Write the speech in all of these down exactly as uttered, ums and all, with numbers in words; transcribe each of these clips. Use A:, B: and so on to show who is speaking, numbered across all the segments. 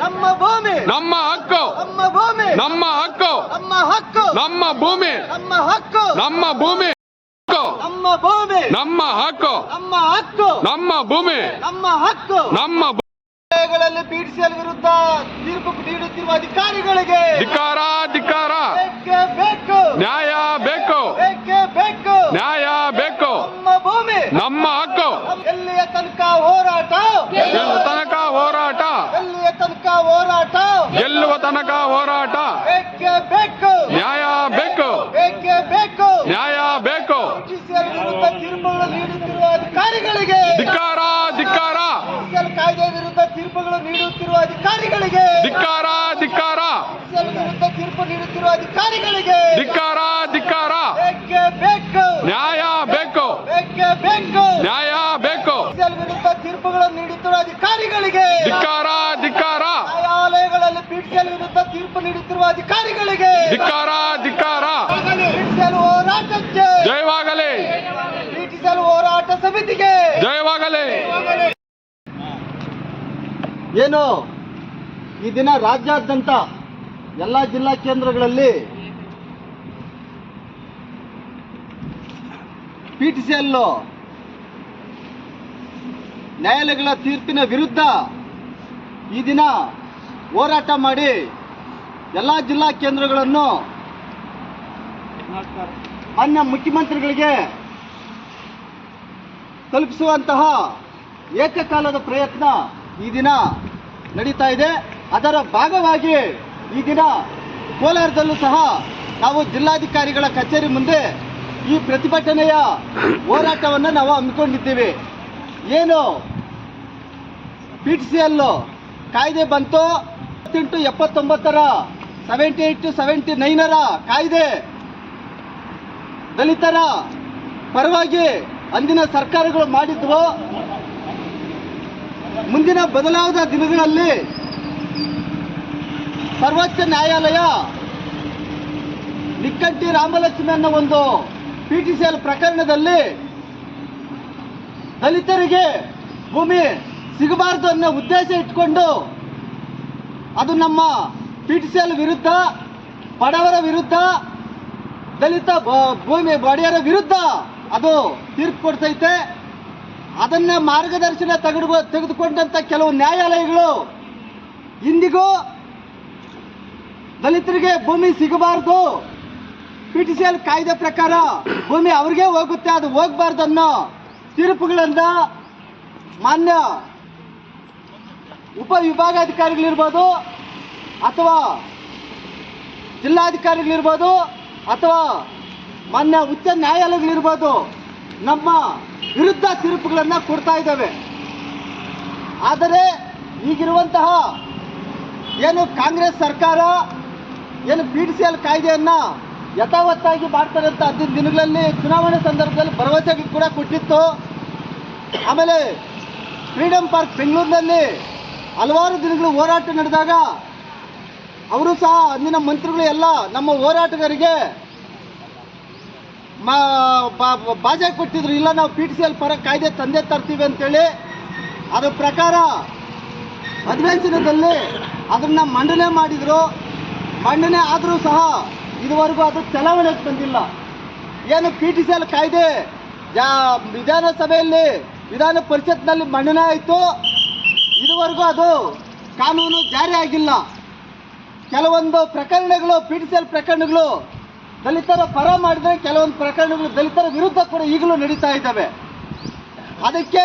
A: ನಮ್ಮ ಭೂಮಿ
B: ನಮ್ಮ ಹಕ್ಕು
A: ನಮ್ಮ ಭೂಮಿ
B: ನಮ್ಮ ಹಕ್ಕು
A: ನಮ್ಮ ಹಕ್ಕು
B: ನಮ್ಮ ಭೂಮಿ
A: ನಮ್ಮ ಹಕ್ಕು
B: ನಮ್ಮ ಭೂಮಿ
A: ನಮ್ಮ ಭೂಮಿ
B: ನಮ್ಮ ಹಕ್ಕು
A: ನಮ್ಮ ಹಕ್ಕು
B: ನಮ್ಮ ಭೂಮಿ
A: ನಮ್ಮ ಹಕ್ಕು
B: ನಮ್ಮ
A: ಗಳಲ್ಲಿ ಪಿಟಿಸಿಎಲ್ ವಿರುದ್ಧ ತೀರ್ಪು ನೀಡುತ್ತಿರುವ ಅಧಿಕಾರಿಗಳಿಗೆ
B: ಧಿಕ್ಕಾರ ಧಿಕ್ಕಾರ
A: ಬೇಕೇ ಬೇಕು
B: ನ್ಯಾಯ ಬೇಕು
A: ಬೇಕೇ ಬೇಕು
B: ನ್ಯಾಯ ಬೇಕು
A: ನಮ್ಮ ಭೂಮಿ
B: ನಮ್ಮ ಹಕ್ಕು
A: ಎಲ್ಲಿಯ ತನಕ ಹೋರಾಟ
B: ಗೆಲ್ಲುವ ತನಕ ಹೋರಾಟ
A: ಎಲ್ಲಿಯ ತನಕ ಹೋರಾಟ
B: ಗೆಲ್ಲುವ ತನಕ ಹೋರಾಟ
A: ಬೇಕೇ ಬೇಕು
B: ನ್ಯಾಯ ಬೇಕು
A: ಬೇಕೇ ಬೇಕು
B: ನ್ಯಾಯ ಬೇಕು
A: ಪಿಟಿಸಿಎಲ್ ವಿರುದ್ಧ ತೀರ್ಪುಗಳು ನೀಡುತ್ತಿರುವ ಅಧಿಕಾರಿಗಳಿಗೆ
B: ಧಿಕ್ಕಾರ ಧಿಕ್ಕಾರ
A: ಪಿಟಿಸಿಎಲ್ ಕಾಯ್ದೆ ವಿರುದ್ಧ ತೀರ್ಪುಗಳು ನೀಡುತ್ತಿರುವ ಅಧಿಕಾರಿಗಳಿಗೆ
B: ಧಿಕ್ಕಾರ ಧಿಕ್ಕಾರ
A: ಪಿಟಿಸಿಎಲ್ ವಿರುದ್ಧ ತೀರ್ಪು ನೀಡುತ್ತಿರುವ ಅಧಿಕಾರಿಗಳಿಗೆ
B: ಧಿಕ್ಕಾರ ಧಿಕ್ಕಾರ
A: ಬೇಕೇ ಬೇಕು
B: ನ್ಯಾಯ ಬೇಕು
A: ಬೇಕೇ ಬೇಕು
B: ನ್ಯಾಯ ಬೇಕು
A: ಪಿಟಿಸಿಎಲ್ ವಿರುದ್ಧ ತೀರ್ಪುಗಳನ್ನು ನೀಡುತ್ತಿರುವ ಅಧಿಕಾರಿಗಳಿಗೆ
B: ಧಿಕ್ಕಾರ ಧಿಕ್ಕಾರ
A: ನ್ಯಾಯಾಲಯಗಳಲ್ಲಿ ಪಿಟಿಸಿಎಲ್ ವಿರುದ್ಧ ತೀರ್ಪು ನೀಡುತ್ತಿರುವ ಅಧಿಕಾರಿಗಳಿಗೆ
B: ಧಿಕ್ಕಾರ ಧಿಕ್ಕಾರ
A: ಪಿಟಿಸಿಎಲ್ ಹೋರಾಟಕ್ಕೆ
B: ಜಯವಾಗಲಿ
A: ಪಿಟಿಸಿಎಲ್ ಹೋರಾಟ ಸಮಿತಿಗೆ
B: ಜಯವಾಗಲಿ.
A: ಏನು ಈ ದಿನ ರಾಜ್ಯಾದ್ಯಂತ ಎಲ್ಲ ಜಿಲ್ಲಾ ಕೇಂದ್ರಗಳಲ್ಲಿ ಪಿಟಿಸಿಎಲ್ ನ್ಯಾಯಾಲಯಗಳ ತೀರ್ಪಿನ ವಿರುದ್ಧ ಈ ದಿನ ಹೋರಾಟ ಮಾಡಿ ಎಲ್ಲ ಜಿಲ್ಲಾ ಕೇಂದ್ರಗಳನ್ನು ಮಾನ್ಯ ಮುಖ್ಯಮಂತ್ರಿಗಳಿಗೆ ತಲುಪಿಸುವಂತಹ ಏಕಕಾಲದ ಪ್ರಯತ್ನ ಈ ದಿನ ನಡೀತಾ ಇದೆ. ಅದರ ಭಾಗವಾಗಿ ಈ ದಿನ ಕೋಲಾರದಲ್ಲೂ ಸಹ ನಾವು ಜಿಲ್ಲಾಧಿಕಾರಿಗಳ ಕಚೇರಿ ಮುಂದೆ ಈ ಪ್ರತಿಭಟನೆಯ ಹೋರಾಟವನ್ನು ನಾವು ಹಮ್ಮಿಕೊಂಡಿದ್ದೀವಿ. ಏನು ಪಿಟಿಸಿಎಲ್ ಕಾಯ್ದೆ ಬಂತು ಎಪ್ಪತ್ತೆಂಟು ಎಪ್ಪತ್ತೊಂಬತ್ತರ ಸೆವೆಂಟಿ ಏಟ್ ಟು ಸೆವೆಂಟಿ ನೈನರ ಕಾಯ್ದೆ ದಲಿತರ ಪರವಾಗಿ ಅಂದಿನ ಸರ್ಕಾರಗಳು ಮಾಡಿದ್ವು. ಮುಂದಿನ ಬದಲಾದ ದಿನಗಳಲ್ಲಿ ಸರ್ವೋಚ್ಚ ನ್ಯಾಯಾಲಯ ನಿಕ್ಕಂಟಿ ರಾಮಲಕ್ಷ್ಮಿ ಅನ್ನೋ ಒಂದು ಪಿಟಿಸಿಎಲ್ ಪ್ರಕರಣದಲ್ಲಿ ದಲಿತರಿಗೆ ಭೂಮಿ ಸಿಗಬಾರದು ಅನ್ನೋ ಉದ್ದೇಶ ಇಟ್ಕೊಂಡು ಅದು ನಮ್ಮ ಪಿಟಿಸಿಎಲ್ ವಿರುದ್ಧ, ಬಡವರ ವಿರುದ್ಧ, ದಲಿತ ಭೂಮಿ ಒಡೆಯರ ವಿರುದ್ಧ ಅದು ತೀರ್ಪು ಕೊಡ್ತೈತೆ. ಅದನ್ನ ಮಾರ್ಗದರ್ಶನ ತೆಗೆದು ತೆಗೆದುಕೊಂಡಂತ ಕೆಲವು ನ್ಯಾಯಾಲಯಗಳು ಇಂದಿಗೂ ದಲಿತರಿಗೆ ಭೂಮಿ ಸಿಗಬಾರ್ದು, ಪಿಟಿಸಿಎಲ್ ಕಾಯ್ದೆ ಪ್ರಕಾರ ಭೂಮಿ ಅವ್ರಿಗೆ ಹೋಗುತ್ತೆ, ಅದು ಹೋಗಬಾರ್ದು ಅನ್ನೋ ತೀರ್ಪುಗಳಿಂದ ಮಾನ್ಯ ಉಪವಿಭಾಗಾಧಿಕಾರಿಗಳಿರ್ಬೋದು ಅಥವಾ ಜಿಲ್ಲಾಧಿಕಾರಿಗಳಿರ್ಬೋದು ಅಥವಾ ಮಾನ್ಯ ಉಚ್ಚ ನ್ಯಾಯಾಲಯಗಳಿರ್ಬೋದು ನಮ್ಮ ವಿರುದ್ಧ ತೀರ್ಪುಗಳನ್ನು ಕೊಡ್ತಾ ಇದ್ದಾವೆ. ಆದರೆ ಈಗಿರುವಂತಹ ಏನು ಕಾಂಗ್ರೆಸ್ ಸರ್ಕಾರ ಏನು ಪಿಟಿಸಿಎಲ್ ಕಾಯ್ದೆಯನ್ನು ಯಥಾವತ್ತಾಗಿ ಮಾಡ್ತಾರೆ ಅಂತ ಹದಿನೈದು ದಿನಗಳಲ್ಲಿ ಚುನಾವಣೆ ಸಂದರ್ಭದಲ್ಲಿ ಭರವಸೆಗಳು ಕೂಡ ಕೊಟ್ಟಿತ್ತು. ಆಮೇಲೆ ಫ್ರೀಡಂ ಪಾರ್ಕ್ ಬೆಂಗಳೂರಿನಲ್ಲಿ ಹಲವಾರು ದಿನಗಳು ಹೋರಾಟ ನಡೆದಾಗ ಅವರು ಸಹ ಅಂದಿನ ಮಂತ್ರಿಗಳು ಎಲ್ಲ ನಮ್ಮ ಹೋರಾಟಗಾರರಿಗೆ ಬಾಜೆ ಕೊಟ್ಟಿದ್ರು, ಇಲ್ಲ ನಾವು ಪಿಟಿಸಿಎಲ್ ಪರ ಕಾಯ್ದೆ ತಂದೆ ತರ್ತೀವಿ ಅಂತೇಳಿ. ಅದರ ಪ್ರಕಾರ ಅಧಿವೇಶನದಲ್ಲಿ ಅದನ್ನ ಮಂಡನೆ ಮಾಡಿದ್ರು. ಮಂಡನೆ ಆದರೂ ಸಹ ಇದುವರೆಗೂ ಅದು ಚಲಾವಣೆಗೆ ಬಂದಿಲ್ಲ. ಏನು ಪಿಟಿಸಿಎಲ್ ಕಾಯ್ದೆ ಜಾ ವಿಧಾನಸಭೆಯಲ್ಲಿ ವಿಧಾನ ಪರಿಷತ್ನಲ್ಲಿ ಮಂಡನೆ ಆಯಿತು, ಇದುವರೆಗೂ ಅದು ಕಾನೂನು ಜಾರಿ ಆಗಿಲ್ಲ. ಕೆಲವೊಂದು ಪ್ರಕರಣಗಳು ಪಿಟಿಸಿಎಲ್ ಪ್ರಕರಣಗಳು ದಲಿತರ ಪರ ಮಾಡಿದರೆ, ಕೆಲವೊಂದು ಪ್ರಕರಣಗಳು ದಲಿತರ ವಿರುದ್ಧ ಕೂಡ ಈಗಲೂ ನಡೀತಾ ಇದ್ದಾವೆ. ಅದಕ್ಕೆ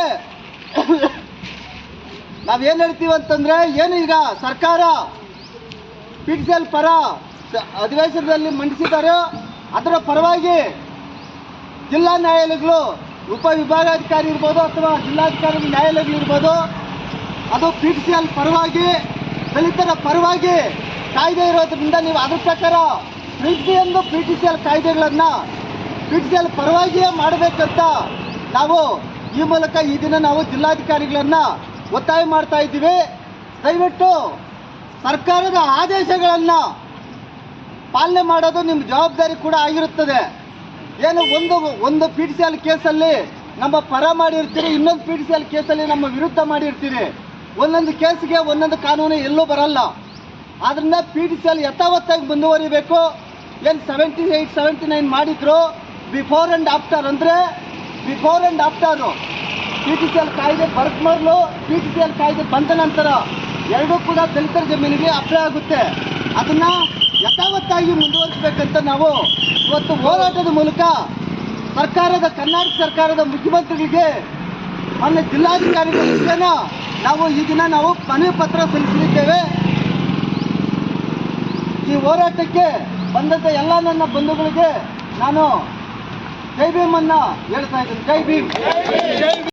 A: ನಾವೇನು ಹೇಳ್ತೀವಿ ಅಂತಂದರೆ, ಏನು ಈಗ ಸರ್ಕಾರ ಪಿಟಿಸಿಎಲ್ ಪರ ಅಧಿವೇಶನದಲ್ಲಿ ಮಂಡಿಸಿದ್ದಾರೆ, ಅದರ ಪರವಾಗಿ ಜಿಲ್ಲಾ ನ್ಯಾಯಾಲಯಗಳು ಉಪವಿಭಾಗಾಧಿಕಾರಿ ಇರ್ಬೋದು ಅಥವಾ ಜಿಲ್ಲಾಧಿಕಾರಿ ನ್ಯಾಯಾಲಯಗಳಿರ್ಬೋದು, ಅದು ಪಿಟಿಸಿಎಲ್ ಪರವಾಗಿ ದಲಿತರ ಪರವಾಗಿ ಕಾಯ್ದೆ ಇರೋದ್ರಿಂದ ನೀವು ಅದ್ರ ಪ್ರಕಾರ ಪ್ರತಿಯೊಂದು ಪಿಟಿಸಿಎಲ್ ಕಾಯ್ದೆಗಳನ್ನು ಪಿಟಿಸಿಎಲ್ ಪರವಾಗಿಯೇ ಮಾಡಬೇಕಂತ ನಾವು ಈ ಮೂಲಕ ಈ ದಿನ ನಾವು ಜಿಲ್ಲಾಧಿಕಾರಿಗಳನ್ನು ಒತ್ತಾಯ ಮಾಡ್ತಾ ಇದ್ದೀವಿ. ದಯವಿಟ್ಟು ಸರ್ಕಾರದ ಆದೇಶಗಳನ್ನು ಪಾಲನೆ ಮಾಡೋದು ನಿಮ್ಮ ಜವಾಬ್ದಾರಿ ಕೂಡ ಆಗಿರುತ್ತದೆ. ಏನು ಒಂದು ಒಂದು ಪಿಟಿಸಿಎಲ್ ಕೇಸಲ್ಲಿ ನಮ್ಮ ಪರ ಮಾಡಿರ್ತೀರಿ, ಇನ್ನೊಂದು ಪಿಟಿಸಿಎಲ್ ಕೇಸಲ್ಲಿ ನಮ್ಮ ವಿರುದ್ಧ ಮಾಡಿರ್ತೀರಿ. ಒಂದೊಂದು ಕೇಸಿಗೆ ಒಂದೊಂದು ಕಾನೂನು ಎಲ್ಲೂ ಬರಲ್ಲ. ಆದ್ರಿಂದ ಪಿ ಟಿ ಸಿ ಎಲ್ ಯಥಾವತ್ತಾಗಿ ಮುಂದುವರಿಬೇಕು. ಏನು ಸೆವೆಂಟಿ ಏಯ್ಟ್ ಸೆವೆಂಟಿ ನೈನ್ ಮಾಡಿದ್ರು ಬಿಫೋರ್ ಆ್ಯಂಡ್ ಆಫ್ಟರ್ ಅಂದರೆ before and after P T C L ಕಾಯ್ದೆ ಬರಕ್ ಮೊದಲು ಪಿ ಟಿ ಸಿ ಎಲ್ ಕಾಯ್ದೆ ಬಂದ ನಂತರ ಎರಡೂ ಕೂಡ ದಲಿತರ ಜಮೀನಿಗೆ ಅಪ್ಲೈ ಆಗುತ್ತೆ. ಅದನ್ನು ಯಥಾವತ್ತಾಗಿ ಮುಂದುವರಿಸಬೇಕಂತ ನಾವು ಇವತ್ತು ಹೋರಾಟದ ಮೂಲಕ ಸರ್ಕಾರದ ಕರ್ನಾಟಕ ಸರ್ಕಾರದ ಮುಖ್ಯಮಂತ್ರಿಗಳಿಗೆ ಮೊನ್ನೆ ಜಿಲ್ಲಾಧಿಕಾರಿಗಳ ನಾವು ಈ ದಿನ ನಾವು ಮನವಿ ಪತ್ರ ಸಲ್ಲಿಸಲಿದ್ದೇವೆ. ಈ ಹೋರಾಟಕ್ಕೆ ಬಂದಂಥ ಎಲ್ಲ ನನ್ನ ಬಂಧುಗಳಿಗೆ ನಾನು ಜೈ ಭೀಮನ್ನ ಹೇಳ್ತಾ ಇದ್ದೀನಿ. ಜೈ ಭೀಮ್.